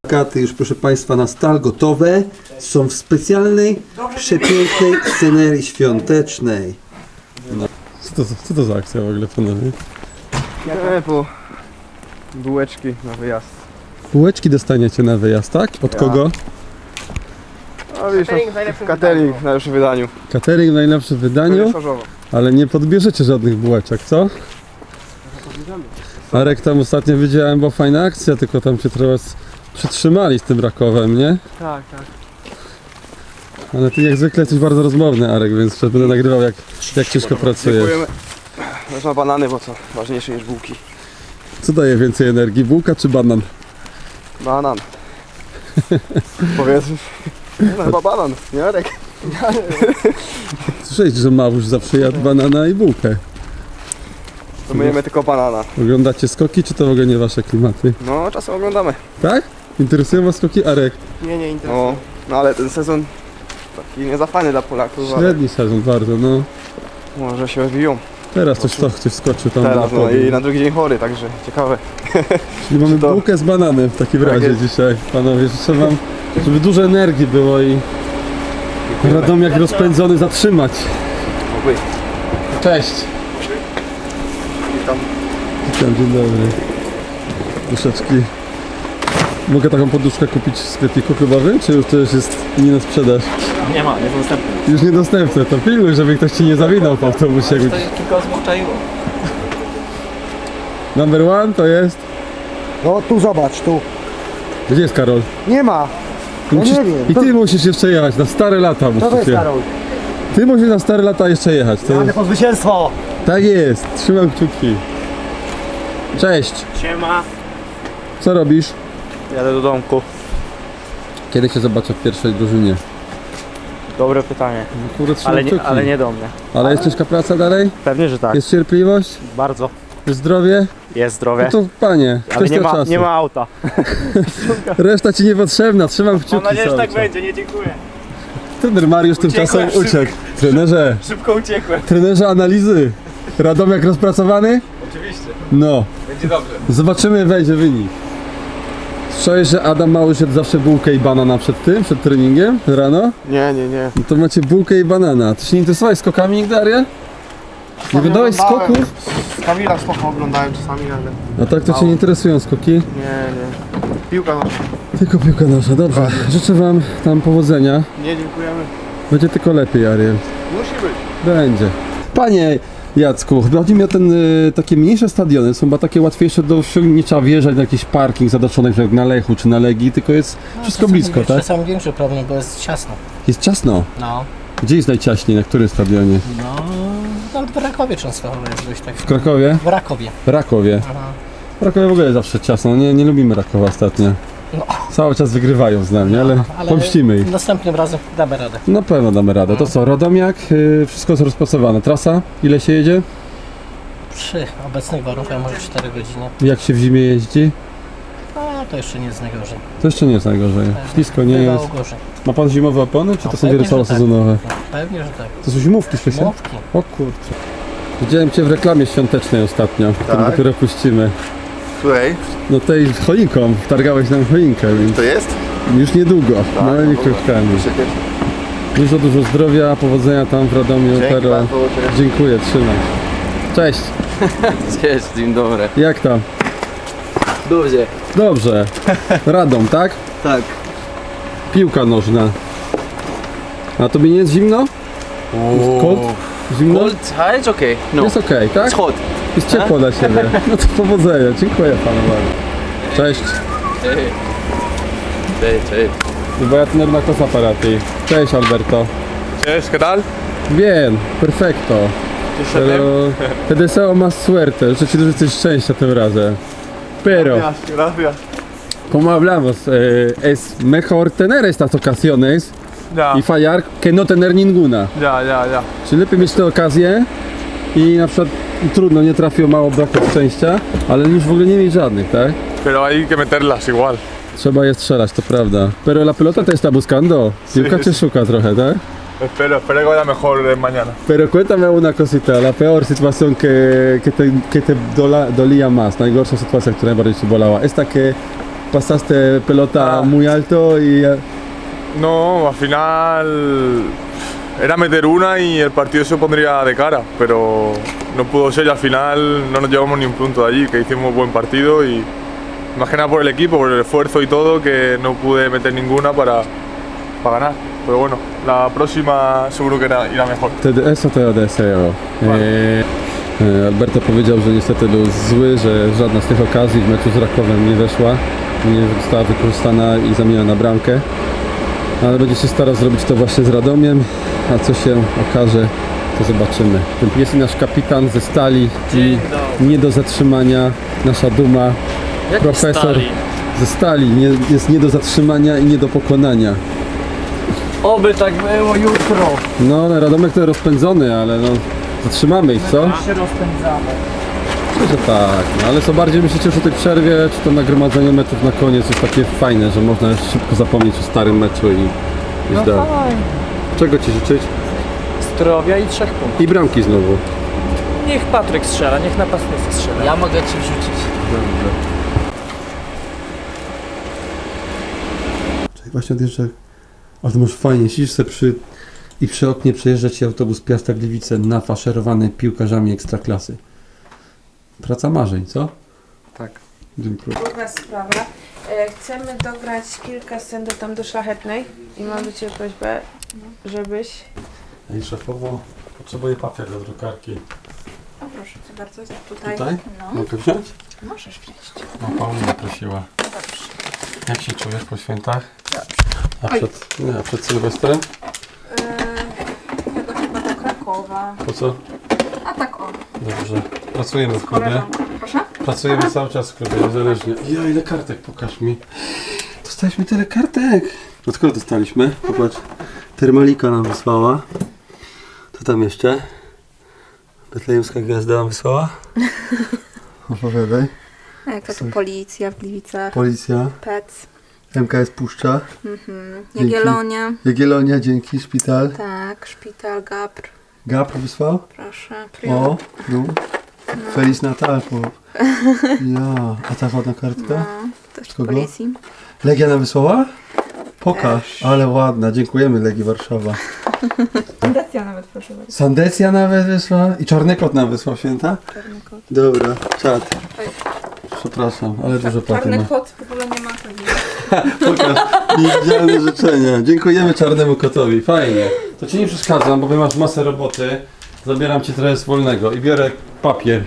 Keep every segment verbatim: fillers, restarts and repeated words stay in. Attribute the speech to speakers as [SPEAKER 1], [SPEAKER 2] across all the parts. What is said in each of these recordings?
[SPEAKER 1] Katy już, proszę Państwa, na stal gotowe. Są w specjalnej, przepięknej scenerii świątecznej. No.
[SPEAKER 2] Co to, co to za akcja w ogóle, panowie?
[SPEAKER 3] Nie, po bułeczki na wyjazd.
[SPEAKER 2] Bułeczki dostaniecie na wyjazd, tak? Od
[SPEAKER 3] Ja.
[SPEAKER 2] kogo?
[SPEAKER 3] A wiesz,
[SPEAKER 4] Catering w najlepszym
[SPEAKER 3] catering
[SPEAKER 4] wydaniu.
[SPEAKER 3] w najlepszym wydaniu.
[SPEAKER 2] Catering w najlepszym wydaniu, ale nie podbierzecie żadnych bułeczek, co? Arek, tam ostatnio widziałem, była fajna akcja, tylko tam się trochę s- przytrzymali z tym Rakowem, nie?
[SPEAKER 3] Tak, tak.
[SPEAKER 2] Ale ty jak zwykle jesteś bardzo rozmowny, Arek, więc będę nagrywał jak, jak ciężko pracujesz.
[SPEAKER 3] Dziękujemy. Wezmę banany, bo co ważniejsze niż bułki.
[SPEAKER 2] Co daje więcej energii, bułka czy banan?
[SPEAKER 3] Banan. Powiedzmy. No chyba banan, nie Arek?
[SPEAKER 2] Słyszałeś, że Małóż zawsze jadł banana i bułkę.
[SPEAKER 3] To my jemy tylko banana.
[SPEAKER 2] Oglądacie skoki, czy to w ogóle nie wasze klimaty?
[SPEAKER 3] No czasem oglądamy.
[SPEAKER 2] Tak? Interesują was skoki, Arek?
[SPEAKER 4] Nie, nie interesuje.
[SPEAKER 3] No, no ale ten sezon taki nie za fajny dla Polaków, ale
[SPEAKER 2] Średni sezon bardzo, no.
[SPEAKER 3] może się odbiją.
[SPEAKER 2] Teraz coś, to, ktoś skoczył tam
[SPEAKER 3] Teraz
[SPEAKER 2] na
[SPEAKER 3] no
[SPEAKER 2] podium.
[SPEAKER 3] i na drugi dzień chory, także ciekawe.
[SPEAKER 2] Czyli mamy
[SPEAKER 3] to-
[SPEAKER 2] bułkę z bananem w takim
[SPEAKER 3] Tak
[SPEAKER 2] razie
[SPEAKER 3] jest.
[SPEAKER 2] dzisiaj. Panowie, życzę wam, żeby dużo energii było i Radomiak rozpędzony zatrzymać.
[SPEAKER 3] Oby.
[SPEAKER 2] Cześć.
[SPEAKER 3] Witam.
[SPEAKER 2] Witam, dzień dobry. Duszeczki. Mogę taką poduszkę kupić w sklepiku klubowym, czy już to już jest nie na sprzedaż?
[SPEAKER 4] Nie ma, jest dostępny.
[SPEAKER 2] Już niedostępne, to pilnuj, żeby ktoś ci nie zawinął po autobusie.
[SPEAKER 4] To jest tylko ozwyczaiło.
[SPEAKER 2] Number one to jest...
[SPEAKER 5] No tu zobacz, tu.
[SPEAKER 2] Gdzie jest Karol?
[SPEAKER 5] Nie ma.
[SPEAKER 2] Ty
[SPEAKER 5] Ja
[SPEAKER 2] musisz,
[SPEAKER 5] nie wiem.
[SPEAKER 2] I
[SPEAKER 5] To,
[SPEAKER 2] ty musisz jeszcze jechać, na stare lata
[SPEAKER 5] to
[SPEAKER 2] musisz
[SPEAKER 5] jest
[SPEAKER 2] jechać.
[SPEAKER 5] Karol.
[SPEAKER 2] Ty musisz na stare lata jeszcze jechać. To...
[SPEAKER 5] Ale po zwycięstwo.
[SPEAKER 2] Tak jest, trzymam kciuki. Cześć,
[SPEAKER 4] Siema.
[SPEAKER 2] co robisz?
[SPEAKER 4] Jadę do domku.
[SPEAKER 2] Kiedy cię zobaczę w pierwszej drużynie?
[SPEAKER 4] Dobre pytanie.
[SPEAKER 2] No, kurde, trzymam
[SPEAKER 4] Ale nie,
[SPEAKER 2] kciuki.
[SPEAKER 4] ale nie do mnie.
[SPEAKER 2] Ale jest ciężka praca dalej?
[SPEAKER 4] Pewnie, że tak.
[SPEAKER 2] Jest cierpliwość?
[SPEAKER 4] Bardzo.
[SPEAKER 2] Jest zdrowie?
[SPEAKER 4] Jest zdrowie.
[SPEAKER 2] No to panie,
[SPEAKER 4] Ale nie
[SPEAKER 2] kwestia
[SPEAKER 4] ma,
[SPEAKER 2] czasu.
[SPEAKER 4] nie ma auta.
[SPEAKER 2] Reszta ci niepotrzebna, trzymam kciuki
[SPEAKER 4] Mam nadzieję, że
[SPEAKER 2] cały
[SPEAKER 4] tak
[SPEAKER 2] czas.
[SPEAKER 4] będzie, nie dziękuję.
[SPEAKER 2] Trener Mariusz tymczasem
[SPEAKER 4] Uciekłem
[SPEAKER 2] uciekł. Trenerze,
[SPEAKER 4] Szybko uciekłem.
[SPEAKER 2] trenerze analizy. Radomiak rozpracowany?
[SPEAKER 4] Oczywiście.
[SPEAKER 2] No.
[SPEAKER 4] Będzie dobrze.
[SPEAKER 2] Zobaczymy, wejdzie wynik. Słyszałeś, że Adam Małysz jadł zawsze bułkę i banana przed tym, przed treningiem rano?
[SPEAKER 3] Nie, nie, nie.
[SPEAKER 2] No to macie bułkę i banana. Ty się nie interesowałeś skokami nigdy, Ariel? Nie oglądałeś skoków?
[SPEAKER 3] Z Kamila spoko oglądałem czasami, ale
[SPEAKER 2] A tak to cię nie interesują skoki?
[SPEAKER 3] nie, nie. Piłka nasza.
[SPEAKER 2] Tylko piłka nasza, dobrze. Życzę wam tam powodzenia.
[SPEAKER 3] Nie, dziękujemy.
[SPEAKER 2] Będzie tylko lepiej, Ariel.
[SPEAKER 3] Musi być.
[SPEAKER 2] Będzie. Panie Jacku, chodzi mi o ten, y, takie mniejsze stadiony, są chyba takie łatwiejsze do osiągnięcia, nie trzeba wjeżdżać na jakiś parking zadoczony jak na Lechu czy na Legii, tylko jest wszystko blisko, tak?
[SPEAKER 6] Czasami większy problem, bo jest ciasno.
[SPEAKER 2] Jest ciasno.
[SPEAKER 6] No.
[SPEAKER 2] Gdzie jest najciaśniej, na którym stadionie?
[SPEAKER 6] No, nawet w Rakowie często jest dość tak.
[SPEAKER 2] W Krakowie?
[SPEAKER 6] W Rakowie.
[SPEAKER 2] W Rakowie.
[SPEAKER 6] Aha.
[SPEAKER 2] W Rakowie w ogóle jest zawsze ciasno, nie, nie lubimy Rakowa ostatnio.
[SPEAKER 6] No.
[SPEAKER 2] Cały czas wygrywają z nami, ale,
[SPEAKER 6] Ale
[SPEAKER 2] pomścimy ich.
[SPEAKER 6] następnym razem damy radę.
[SPEAKER 2] Na pewno damy radę. To co, Radomiak, y, wszystko jest rozpracowane. Trasa? Ile się jedzie?
[SPEAKER 6] Przy obecnych warunkach może cztery godziny.
[SPEAKER 2] Jak się w zimie jeździ?
[SPEAKER 6] A to jeszcze nie jest najgorzej.
[SPEAKER 2] To jeszcze nie jest najgorzej. Ślisko nie
[SPEAKER 6] Bywało
[SPEAKER 2] jest.
[SPEAKER 6] gorzej.
[SPEAKER 2] Ma pan zimowe opony, czy to
[SPEAKER 6] No,
[SPEAKER 2] są
[SPEAKER 6] pewnie,
[SPEAKER 2] wiele
[SPEAKER 6] że tak.
[SPEAKER 2] sezonowe?
[SPEAKER 6] No, pewnie, że tak.
[SPEAKER 2] To są zimówki specjalne?
[SPEAKER 6] Młotki.
[SPEAKER 2] O kurczę. Widziałem cię w reklamie świątecznej ostatnio, którą
[SPEAKER 7] Tak?
[SPEAKER 2] dopiero puścimy.
[SPEAKER 7] Której?
[SPEAKER 2] No tej choinką, wtargałeś nam choinkę, więc
[SPEAKER 7] To jest?
[SPEAKER 2] już niedługo,
[SPEAKER 7] Tak,
[SPEAKER 2] małymi
[SPEAKER 7] no dobra.
[SPEAKER 2] kroczkami.
[SPEAKER 7] Przecież.
[SPEAKER 2] Dużo, dużo zdrowia, powodzenia tam w Radomiu,
[SPEAKER 7] Dzięki
[SPEAKER 2] Pero.
[SPEAKER 7] bardzo.
[SPEAKER 2] Dziękuję, trzymaj. Cześć,
[SPEAKER 4] Cześć, dzień dobry.
[SPEAKER 2] jak tam?
[SPEAKER 4] Dobrze.
[SPEAKER 2] Dobrze. Radom, tak?
[SPEAKER 4] Tak.
[SPEAKER 2] Piłka nożna. A tobie nie jest zimno? Cold? Zimno?
[SPEAKER 4] Cold? A, it's okay. No.
[SPEAKER 2] Jest okej, tak?
[SPEAKER 4] It's hot.
[SPEAKER 2] Jest ciepło dla siebie. No to powodzenia, dziękuję panu bardzo. Cześć.
[SPEAKER 4] Cześć. Cześć, cześć.
[SPEAKER 2] Y voy a tener una cosa para ti. Cześć Alberto.
[SPEAKER 3] Cześć, ¿qué tal?
[SPEAKER 2] Bien, perfecto. Pero te deseo más suerte, życzę ci dużo coś szczęścia tym razem. Pero,
[SPEAKER 3] gracias.
[SPEAKER 2] como hablamos, eh, es mejor tener estas ocasiones
[SPEAKER 3] Ya,
[SPEAKER 2] y fallar que no tener ninguna.
[SPEAKER 3] ya, ya, ya.
[SPEAKER 2] Czyli lepiej mieć te okazje i na przykład trudno, nie trafiło, mało brakło szczęścia, ale już w ogóle nie mieć żadnych, tak?
[SPEAKER 3] Pero hay que meterlas igual.
[SPEAKER 2] Trzeba je strzelać, to prawda. Pero la pelota te está buscando. Piłka cię szuka trochę, tak?
[SPEAKER 3] Espero, espero que vaya mejor mañana.
[SPEAKER 2] Pero cuéntame una cosita, la peor situación que, que te, que te dola, dolía más, najgorsza sytuacja, która najbardziej ci bolała. Esta que pasaste pelota
[SPEAKER 7] Ah.
[SPEAKER 2] muy alto y...
[SPEAKER 7] No, al final era meter una y el partido se pondría de cara, pero no pudo ser y al final no nos llevamos ni un punto de allí, que hicimos buen partido y más que nada por el equipo, por el esfuerzo y todo, que no pude meter ninguna para, para ganar. Pero bueno, la próxima seguro que era- irá mejor.
[SPEAKER 2] Wtedy eso to deseo. E, e, Alberto powiedział, że niestety był zły, że żadna z tych okazji w meczu z Rakowem nie weszła, nie została wykorzystana i zamieniona na bramkę. Ale będzie się starał zrobić to właśnie z Radomiem, a co się okaże, to zobaczymy. Jest i nasz kapitan ze Stali i nie do zatrzymania, nasza duma, profesor ze Stali, nie, jest nie do zatrzymania i nie do pokonania.
[SPEAKER 6] Oby tak było jutro.
[SPEAKER 2] No, ale Radomek to rozpędzony, ale no, zatrzymamy ich, co?
[SPEAKER 6] Się rozpędzamy.
[SPEAKER 2] Myślę, że tak, no, ale co bardziej myślicie, że o tej przerwie, czy to nagromadzenie meczów na koniec jest takie fajne, że można szybko zapomnieć o starym meczu i iść dalej. Czego Ci życzyć?
[SPEAKER 6] Zdrowia i trzech punktów.
[SPEAKER 2] I bramki znowu.
[SPEAKER 6] Niech Patryk strzela, niech napastnicy strzela. Ja mogę ci wrzucić.
[SPEAKER 1] Czyli właśnie odjeżdża, ale to masz fajnie, siedzisz sobie przy, i przy oknie przejeżdża Ci autobus Piasta Gliwice nafaszerowany piłkarzami ekstraklasy. Praca marzeń, co?
[SPEAKER 3] Tak.
[SPEAKER 1] Dziękuję.
[SPEAKER 8] Druga sprawa. E, Chcemy dograć kilka scen do tam do Szlachetnej i mam do Ciebie prośbę, żebyś...
[SPEAKER 2] Ej, szefowo, potrzebuję papier do drukarki.
[SPEAKER 8] O proszę Cię bardzo, tutaj.
[SPEAKER 2] Tutaj?
[SPEAKER 8] No,
[SPEAKER 2] Mogę wziąć?
[SPEAKER 8] możesz wziąć.
[SPEAKER 2] No, Paulina prosiła.
[SPEAKER 8] Dobrze.
[SPEAKER 2] Jak się czujesz po świętach?
[SPEAKER 8] Dobrze.
[SPEAKER 2] A przed, nie, a przed Sylwestrem?
[SPEAKER 8] E, Tego chyba do Krakowa.
[SPEAKER 2] Po co?
[SPEAKER 8] A tak o,
[SPEAKER 2] Dobrze. Pracujemy w klubie.
[SPEAKER 8] koleżanką. Proszę?
[SPEAKER 2] Pracujemy cały czas w klubie, niezależnie. Ja, ile kartek, pokaż mi. Dostaliśmy tyle kartek.
[SPEAKER 1] Od kogo dostaliśmy? Popatrz. Termalika nam wysłała. Co tam jeszcze? Betlejemska Gwiazda nam wysłała? Opowiadaj.
[SPEAKER 9] Jak to, to policja w Gliwicach,
[SPEAKER 1] Policja.
[SPEAKER 9] P E C,
[SPEAKER 1] M K S Puszcza.
[SPEAKER 9] mhm.
[SPEAKER 1] Dzięki.
[SPEAKER 9] Jagiellonia,
[SPEAKER 1] Jagiellonia, dzięki. Szpital.
[SPEAKER 9] tak, szpital, Gapr,
[SPEAKER 1] Gapr wysłał?
[SPEAKER 9] proszę,
[SPEAKER 1] O,
[SPEAKER 9] Prior,
[SPEAKER 1] no. Feliz Natal. Po... Ja. A ta ładna kartka?
[SPEAKER 9] no, też z
[SPEAKER 1] Kogo?
[SPEAKER 9] policji.
[SPEAKER 1] Legia nam wysłała? Pokaż. Ale ładna. Dziękujemy Legii Warszawa.
[SPEAKER 9] Fundacja nawet, proszę bardzo.
[SPEAKER 1] Sandecja nawet wysłała. I Czarny Kot nam wysłał, święta?
[SPEAKER 9] Czarny kot.
[SPEAKER 1] Dobra. Czad. Przepraszam, ale dużo paty ma.
[SPEAKER 9] Czarny kot w ogóle nie ma tego.
[SPEAKER 1] Pokaż. Niewidzialne życzenia. Dziękujemy Czarnemu Kotowi. Fajnie. To Ci nie przeszkadzam, bo Wy masz masę roboty. Zabieram Ci trochę z wolnego i biorę papier.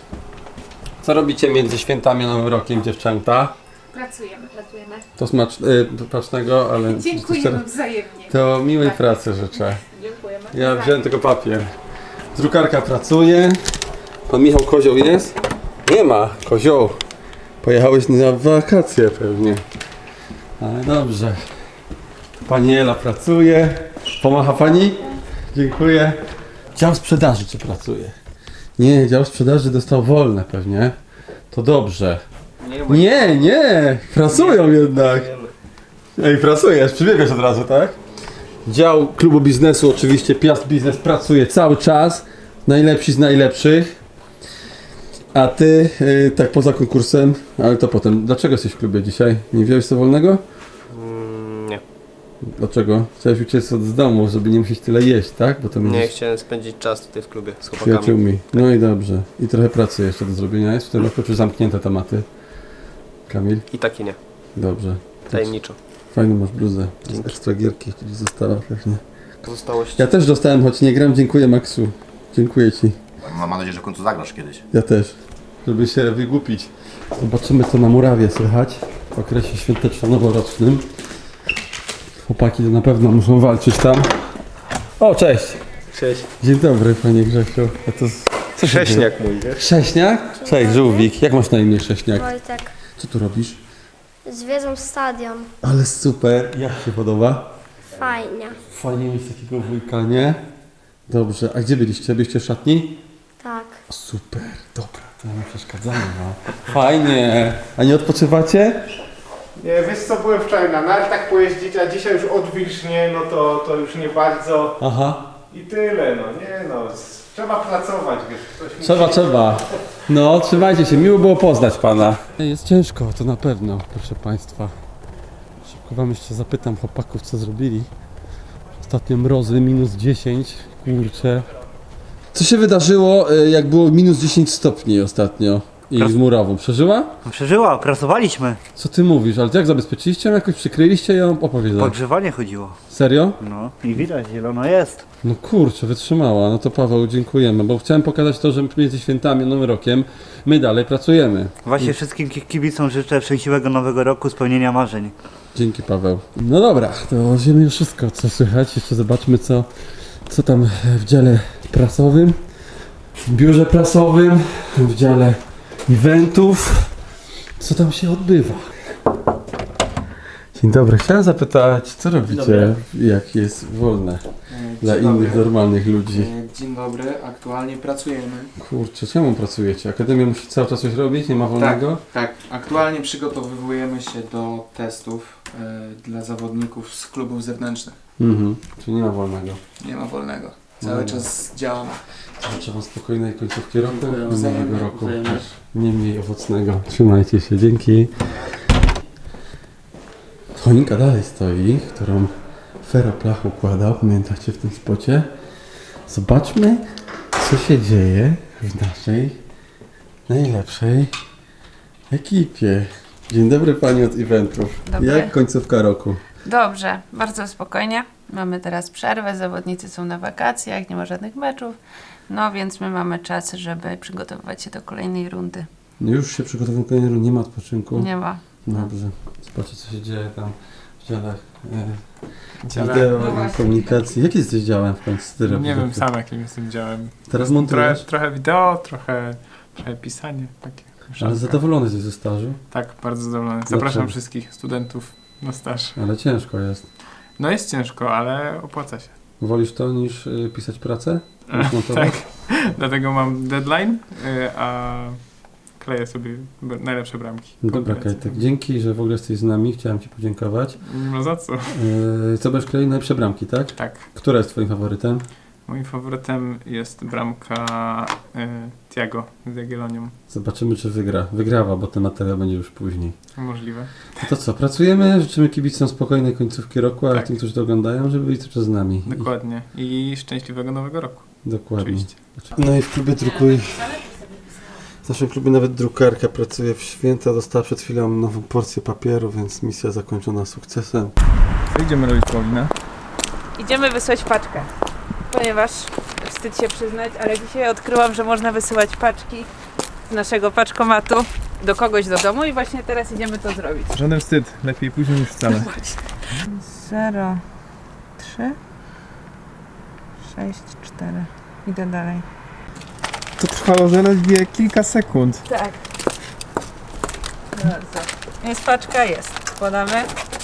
[SPEAKER 1] Co robicie między świętami a Nowym Rokiem, dziewczęta?
[SPEAKER 8] Pracujemy, pracujemy.
[SPEAKER 1] To smacz... Y, smacznego, ale...
[SPEAKER 8] Dziękujemy wzajemnie.
[SPEAKER 1] To miłej pracy życzę.
[SPEAKER 8] Dziękujemy.
[SPEAKER 1] Ja wziąłem tylko papier. Drukarka pracuje. Pan Michał Kozioł jest? Nie ma. Kozioł. Pojechałeś na wakacje pewnie. Ale dobrze. Pani Ela pracuje. Pomacha Pani? Dziękuję. Dział sprzedaży czy pracuje? Nie, dział sprzedaży dostał wolne pewnie. To dobrze. Nie, nie. Pracują jednak. Ej, pracujesz. Przybiegasz od razu, tak? Dział klubu biznesu, oczywiście Piast Biznes pracuje cały czas. Najlepsi z najlepszych. A ty, yy, tak poza konkursem, ale to potem. Dlaczego jesteś w klubie dzisiaj? Nie wziąłeś co wolnego?
[SPEAKER 3] Mm, nie.
[SPEAKER 1] Dlaczego? Chciałeś uciec od domu, żeby nie musieć tyle jeść, tak? Bo to
[SPEAKER 3] Nie,
[SPEAKER 1] będziesz
[SPEAKER 3] chciałem spędzić czas tutaj w klubie z chłopakami.
[SPEAKER 1] przyjaciółmi. No i dobrze. I trochę pracy jeszcze do zrobienia jest w tym roku, czy zamknięte tematy? Kamil?
[SPEAKER 3] I taki nie.
[SPEAKER 1] Dobrze.
[SPEAKER 3] Tajemniczo.
[SPEAKER 1] Fajną masz bluzę. Z ekstra gierki, która została pewnie.
[SPEAKER 3] Pozostałości.
[SPEAKER 1] Ja też dostałem, choć nie gram. Dziękuję Maxu. Dziękuję Ci.
[SPEAKER 10] Mam nadzieję, że w końcu zagrasz kiedyś.
[SPEAKER 1] Ja też. Żeby się wygłupić. Zobaczymy co na murawie słychać w okresie świąteczno-noworocznym. Chłopaki to na pewno muszą walczyć tam. O, cześć!
[SPEAKER 3] Cześć.
[SPEAKER 1] Dzień dobry Panie Grzesiu. A to z- co się dzieje?
[SPEAKER 3] Cześniak mój, wiesz?
[SPEAKER 1] Cześniak? Cześć, żółwik. Jak masz na imię Cześniak?
[SPEAKER 11] Wojtek,
[SPEAKER 1] Co tu robisz?
[SPEAKER 11] zwiedzą stadion.
[SPEAKER 1] Ale super. Jak się podoba?
[SPEAKER 11] Fajnie.
[SPEAKER 1] Fajnie mieć takiego wujka, nie? Dobrze. A gdzie byliście? Byliście w szatni?
[SPEAKER 11] Tak.
[SPEAKER 1] Super. Dobra. To nie przeszkadzamy, no. Fajnie. A nie odpoczywacie?
[SPEAKER 12] Nie, wiesz co, byłem wczoraj na nartach pojeździć, a dzisiaj już odwilżnie, no to, to już nie bardzo.
[SPEAKER 1] Aha.
[SPEAKER 12] I tyle, no nie no. Trzeba pracować, wiesz. Ktoś
[SPEAKER 2] Trzeba, trzeba. No, trzymajcie się, miło było poznać pana. Jest ciężko, to na pewno, proszę państwa. Szybko wam jeszcze zapytam chłopaków, co zrobili. Ostatnio mrozy, minus dziesięć, kurczę. Co się wydarzyło, y, jak było minus dziesięć stopni ostatnio i z murawą? Przeżyła?
[SPEAKER 5] Przeżyła, pracowaliśmy.
[SPEAKER 2] Co ty mówisz, ale jak zabezpieczyliście ją jakoś, przykryliście ją? Opowiedz.
[SPEAKER 5] Pogrzewanie chodziło.
[SPEAKER 2] Serio?
[SPEAKER 5] No i widać, zielono jest.
[SPEAKER 2] No kurczę, wytrzymała. No to Paweł, dziękujemy, bo chciałem pokazać to, że między świętami a Nowym Rokiem my dalej pracujemy.
[SPEAKER 5] Właśnie wszystkim ki- kibicom życzę szczęśliwego nowego roku, spełnienia marzeń.
[SPEAKER 2] Dzięki, Paweł. No dobra, to wiemy już wszystko, co słychać. Jeszcze zobaczmy, co, co tam w dziale prasowym, w biurze prasowym, w dziale eventów, co tam się odbywa. Dzień dobry, chciałem zapytać, co robicie, jak jest wolne dla
[SPEAKER 13] Dzień
[SPEAKER 2] innych
[SPEAKER 13] dobry.
[SPEAKER 2] normalnych ludzi?
[SPEAKER 13] Dzień dobry, aktualnie pracujemy.
[SPEAKER 2] Kurczę, czemu pracujecie? Akademia musi cały czas coś robić, nie ma wolnego?
[SPEAKER 13] Tak, aktualnie przygotowujemy się do testów e, dla zawodników z klubów zewnętrznych.
[SPEAKER 2] Mhm, czyli nie ma wolnego.
[SPEAKER 13] Nie ma wolnego. Cały
[SPEAKER 2] No.
[SPEAKER 13] czas działamy.
[SPEAKER 2] Życzę wam spokojnej końcówki roku i nowego
[SPEAKER 13] Wzajemnie,
[SPEAKER 2] roku.
[SPEAKER 13] wzajemnie.
[SPEAKER 2] Też nie mniej owocnego. Trzymajcie się, dzięki. Choinka dalej stoi, którą Feroplach układał, pamiętacie w tym spocie? Zobaczmy, co się dzieje w naszej najlepszej ekipie. Dzień dobry pani od eventów.
[SPEAKER 8] Dobry.
[SPEAKER 2] Jak końcówka roku?
[SPEAKER 8] Dobrze, bardzo spokojnie. Mamy teraz przerwę, zawodnicy są na wakacjach, nie ma żadnych meczów. No więc my mamy czas, żeby przygotowywać się do kolejnej rundy.
[SPEAKER 2] No już się przygotowujemy do kolejnej rundy, nie ma odpoczynku.
[SPEAKER 8] Nie ma.
[SPEAKER 2] Dobrze. Zobaczcie, co się dzieje tam w dziale e,
[SPEAKER 12] Dziale-
[SPEAKER 2] wideo
[SPEAKER 8] No
[SPEAKER 2] i
[SPEAKER 8] właśnie.
[SPEAKER 2] komunikacji. Jaki jesteś działem w końcu? Ty
[SPEAKER 12] Nie
[SPEAKER 2] robisz?
[SPEAKER 12] wiem sam jakim jestem działem.
[SPEAKER 2] Teraz
[SPEAKER 12] Trochę,
[SPEAKER 2] montujesz?
[SPEAKER 12] trochę wideo, trochę, trochę pisanie. Takie
[SPEAKER 2] Ale
[SPEAKER 12] mieszanka.
[SPEAKER 2] zadowolony jesteś ze stażu?
[SPEAKER 12] Tak, bardzo zadowolony. Zapraszam
[SPEAKER 2] Dlaczego?
[SPEAKER 12] wszystkich studentów na staż.
[SPEAKER 2] Ale ciężko jest.
[SPEAKER 12] No jest ciężko, ale opłaca się.
[SPEAKER 2] Wolisz to niż y, pisać pracę? Niż montować?
[SPEAKER 12] Tak, dlatego mam deadline, y, a kleję sobie b- najlepsze bramki.
[SPEAKER 2] Dobra,
[SPEAKER 12] Kombinacje.
[SPEAKER 2] Kajtek, dzięki, że w ogóle jesteś z nami. Chciałem ci podziękować.
[SPEAKER 12] Nie ma za co.
[SPEAKER 2] Yy, co będziesz kleił? Najlepsze bramki, tak?
[SPEAKER 12] Tak.
[SPEAKER 2] Która jest twoim faworytem?
[SPEAKER 12] Moim faworytem jest bramka y, Thiago z Jagiellonią.
[SPEAKER 2] Zobaczymy, czy wygra. Wygrała, bo ten materiał będzie już później.
[SPEAKER 12] Możliwe.
[SPEAKER 2] No to co, pracujemy, życzymy kibicom spokojnej końcówki roku, a
[SPEAKER 12] Tak.
[SPEAKER 2] tym, którzy to oglądają, żeby byli cały czas z nami.
[SPEAKER 12] Dokładnie. I szczęśliwego nowego roku.
[SPEAKER 2] I, dokładnie.
[SPEAKER 12] Oczywiście.
[SPEAKER 2] No i w klubie drukuj. W naszym klubie nawet drukarka pracuje w święta, dostała przed chwilą nową porcję papieru, więc misja zakończona sukcesem.
[SPEAKER 12] Co idziemy robić, Paulina?
[SPEAKER 8] Idziemy wysłać paczkę, ponieważ wstyd się przyznać, ale dzisiaj odkryłam, że można wysyłać paczki z naszego paczkomatu do kogoś do domu i właśnie teraz idziemy to zrobić.
[SPEAKER 12] Żaden wstyd. Lepiej później niż wcale.
[SPEAKER 8] zero, trzy, sześć, cztery. Idę dalej.
[SPEAKER 12] To trwało zaledwie kilka sekund.
[SPEAKER 8] Tak. Bardzo. Jest paczka, jest. Wkładamy.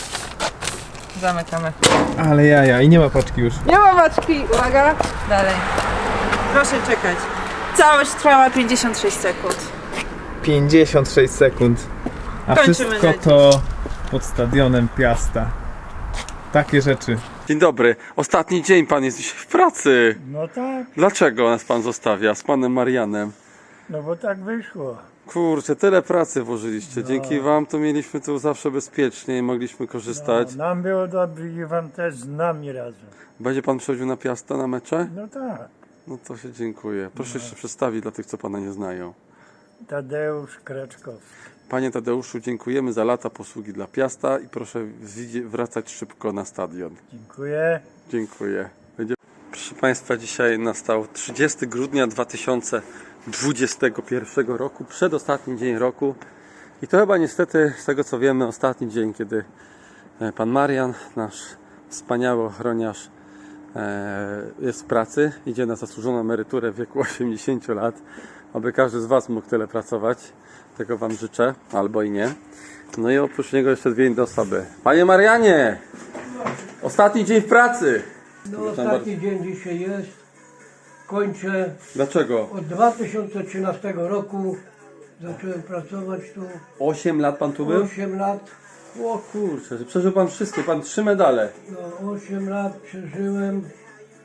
[SPEAKER 8] Zamykamy.
[SPEAKER 12] Ale jaja, i nie ma paczki już.
[SPEAKER 8] Nie ma paczki! Uwaga! Dalej. Proszę czekać. Całość trwała pięćdziesiąt sześć sekund.
[SPEAKER 12] pięćdziesiąt sześć sekund. A
[SPEAKER 8] Kończymy
[SPEAKER 12] wszystko
[SPEAKER 8] na
[SPEAKER 12] to pod stadionem Piasta. Takie rzeczy.
[SPEAKER 2] Dzień dobry. Ostatni dzień pan jest dzisiaj w pracy.
[SPEAKER 5] No tak,
[SPEAKER 2] Dlaczego nas pan zostawia z panem Marianem?
[SPEAKER 5] no bo tak wyszło.
[SPEAKER 2] Kurczę, tyle pracy włożyliście. Dzięki wam to mieliśmy tu zawsze bezpiecznie i mogliśmy korzystać.
[SPEAKER 5] Nam było dobrze i wam też z nami razem.
[SPEAKER 2] Będzie pan przychodził na Piasta na mecze?
[SPEAKER 5] No tak,
[SPEAKER 2] No to się dziękuję. Proszę jeszcze przedstawić dla tych, co pana nie znają.
[SPEAKER 5] Tadeusz Kraczkowski.
[SPEAKER 2] Panie Tadeuszu, dziękujemy za lata posługi dla Piasta i proszę wzi- wracać szybko na stadion.
[SPEAKER 5] Dziękuję.
[SPEAKER 2] Dziękuję. Będzie... Proszę Państwa, dzisiaj nastał trzydziestego grudnia dwa tysiące dwudziestego pierwszego roku, przedostatni dzień roku i to chyba niestety, z tego co wiemy, ostatni dzień, kiedy e, pan Marian, nasz wspaniały ochroniarz, e, jest w pracy, idzie na zasłużoną emeryturę w wieku osiemdziesięciu lat, aby każdy z Was mógł tyle pracować. Tego Wam życzę, albo i nie. No i oprócz niego jeszcze dwie inne osoby. Panie Marianie! Ostatni dzień w pracy!
[SPEAKER 14] No ostatni dzień dzisiaj jest. Kończę.
[SPEAKER 2] Dlaczego?
[SPEAKER 14] Od dwa tysiące trzynastego roku zacząłem pracować tu.
[SPEAKER 2] osiem lat Pan tu był?
[SPEAKER 14] osiem lat.
[SPEAKER 2] O kurczę, przeżył Pan wszystkie, Pan trzy medale.
[SPEAKER 14] No osiem lat przeżyłem.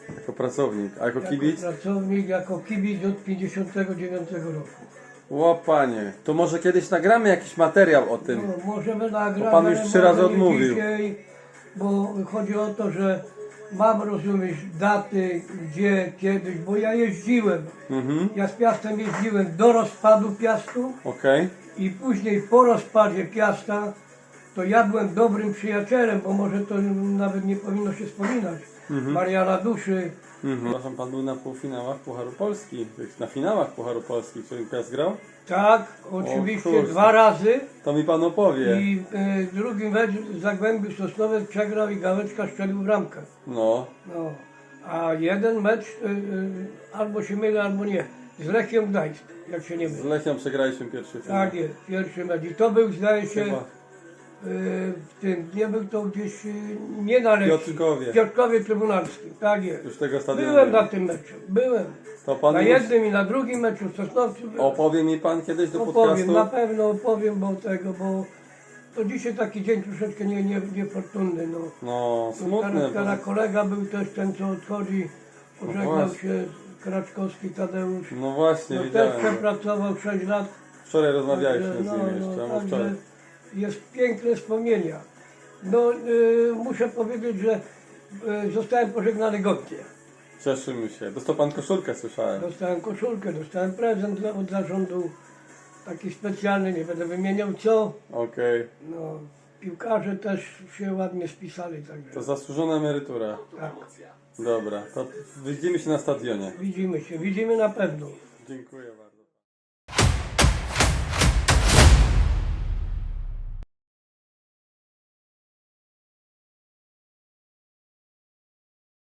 [SPEAKER 1] Jako pracownik, a jako kibic?
[SPEAKER 14] Jako pracownik, jako kibic od pięćdziesiątego dziewiątego roku.
[SPEAKER 1] Łopanie, to może kiedyś nagramy jakiś materiał o tym.
[SPEAKER 14] No, możemy nagrać,
[SPEAKER 1] Bo pan już
[SPEAKER 14] ale
[SPEAKER 1] trzy razy
[SPEAKER 14] może nie
[SPEAKER 1] odmówił.
[SPEAKER 14] Dzisiaj, bo chodzi o to, że mam, rozumieć, daty, gdzie, kiedyś, bo ja jeździłem.
[SPEAKER 1] Mhm.
[SPEAKER 14] Ja z Piastem jeździłem do rozpadu Piastu
[SPEAKER 1] Okej.
[SPEAKER 14] i później po rozpadzie Piasta to ja byłem dobrym przyjacielem, bo może to nawet nie powinno się wspominać.
[SPEAKER 1] Mhm.
[SPEAKER 14] Mariana Duszy.
[SPEAKER 1] Mhm. Przepraszam, pan był na półfinałach Pucharu Polski, na finałach Pucharu Polski, w którym Piast grał?
[SPEAKER 14] Tak,
[SPEAKER 1] O
[SPEAKER 14] oczywiście
[SPEAKER 1] kurczę.
[SPEAKER 14] dwa razy.
[SPEAKER 1] To mi pan opowie.
[SPEAKER 14] I e, drugi mecz Zagłębiu Sosnowiec przegrał i Gałeczka strzelił bramkę.
[SPEAKER 1] No.
[SPEAKER 14] No. A jeden mecz e, e, albo się mylę, albo nie. Z Lechią Gdańsk, jak się nie
[SPEAKER 1] Z
[SPEAKER 14] mylę.
[SPEAKER 1] Lechią przegraliśmy pierwszy finał.
[SPEAKER 14] Tak jest, pierwszy mecz. I to był, zdaje się,
[SPEAKER 1] Chyba.
[SPEAKER 14] e, w tym, nie był to gdzieś, e, nie na Lechii.
[SPEAKER 1] Piotrkowie.
[SPEAKER 14] W Piotrkowie Trybunalskim, tak jest.
[SPEAKER 1] Już tego stadionu
[SPEAKER 14] Byłem
[SPEAKER 1] nie
[SPEAKER 14] na
[SPEAKER 1] ma.
[SPEAKER 14] tym meczu, byłem.
[SPEAKER 1] To pan
[SPEAKER 14] Na
[SPEAKER 1] już
[SPEAKER 14] jednym i na drugim meczu w Sosnowcu byłem.
[SPEAKER 1] opowie mi pan kiedyś do
[SPEAKER 14] Opowiem,
[SPEAKER 1] podcastu?
[SPEAKER 14] na pewno opowiem, bo tego, bo to dzisiaj taki dzień troszeczkę nie, nie, niefortunny, no.
[SPEAKER 1] No, smutne.
[SPEAKER 14] Teraz,
[SPEAKER 1] bo-
[SPEAKER 14] teraz kolega był też ten, co odchodzi, pożegnał
[SPEAKER 1] właśnie.
[SPEAKER 14] się, Kraczkowski Tadeusz.
[SPEAKER 1] No właśnie,
[SPEAKER 14] No, też
[SPEAKER 1] widziałem.
[SPEAKER 14] przepracował sześć lat.
[SPEAKER 1] Wczoraj rozmawialiśmy
[SPEAKER 14] Także,
[SPEAKER 1] z
[SPEAKER 14] no,
[SPEAKER 1] nim
[SPEAKER 14] no,
[SPEAKER 1] jeszcze, a
[SPEAKER 14] także
[SPEAKER 1] wczoraj.
[SPEAKER 14] jest piękne wspomnienia. No, y, muszę powiedzieć, że y, zostałem pożegnany godnie.
[SPEAKER 1] Cieszymy się. Dostał pan koszulkę, słyszałem.
[SPEAKER 14] Dostałem koszulkę, dostałem prezent dla- od zarządu, taki specjalny, nie będę wymieniał co.
[SPEAKER 1] Okej.
[SPEAKER 14] No, piłkarze też się ładnie spisali, także
[SPEAKER 1] To zasłużona emerytura.
[SPEAKER 14] tak.
[SPEAKER 1] Dobra, to widzimy się na stadionie.
[SPEAKER 14] Widzimy się, widzimy na pewno.
[SPEAKER 1] Dziękuję bardzo.